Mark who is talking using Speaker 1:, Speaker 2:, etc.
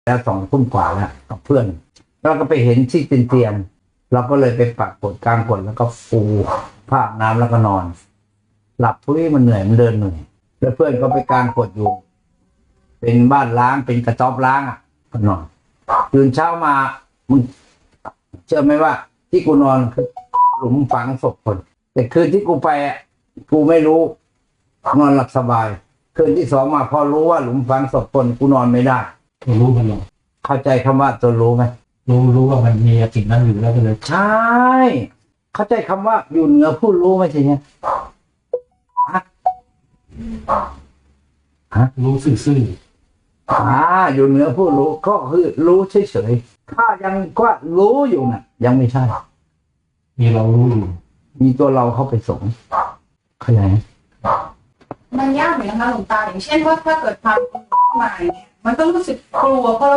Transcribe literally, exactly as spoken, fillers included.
Speaker 1: แล้วสองทุ่มกว่าแล้วกับเพื่อนเราก็ไปเห็นที่เตียงเราก็เลยไปปักกดกลางกดแล้วก็ฟูผ้าน้ำแล้วก็นอน หลับพุ้ยมันเหนื่อยมันเดินเหนื่อยแล้วเพื่อนก็ไปกลางกดอยู่เป็นบ้านล้างเป็นกระต๊อบล้างอ่ะก็นอนตื่นเช้ามามึงเชื่อไหมว่าที่กูนอนคือหลุมฝังศพคนแต่คืนที่กูไปอ่ะกูไม่รู้นอนหลับสบายคืนที่สองมาพอรู้ว่าหลุมฝังศพคนกูนอนไม่ได้
Speaker 2: ตัวรู้มันหรอ
Speaker 1: เข้าใจคำว่าตัวรู้ไหม
Speaker 2: รู้รู้ว่ามันมีสิ่งนั้นอยู่แล้วก็เลย
Speaker 1: ใช่เข้าใจคำว่าอยู่เหนือผู้รู้ไหมใช่ไหมฮะฮะ
Speaker 2: รู้ซื่อ
Speaker 1: อ่าอยู่เหนือผู้รู้ก็คือรู้เฉยๆถ้ายังว่ารู้อยู่น่ะ ยังไม่ใช่
Speaker 2: ๆมีเรารู้อยู่
Speaker 1: มีตัวเราเข้าไปสงเข้าใจไหม
Speaker 3: มันยากเหมือนกันนะคะหลวงตาอย่างเช่นว่าถ้าเกิดความกลัวเข้ามาอย่างเงี้ยมันก็รู้สึกกลัวเพราะ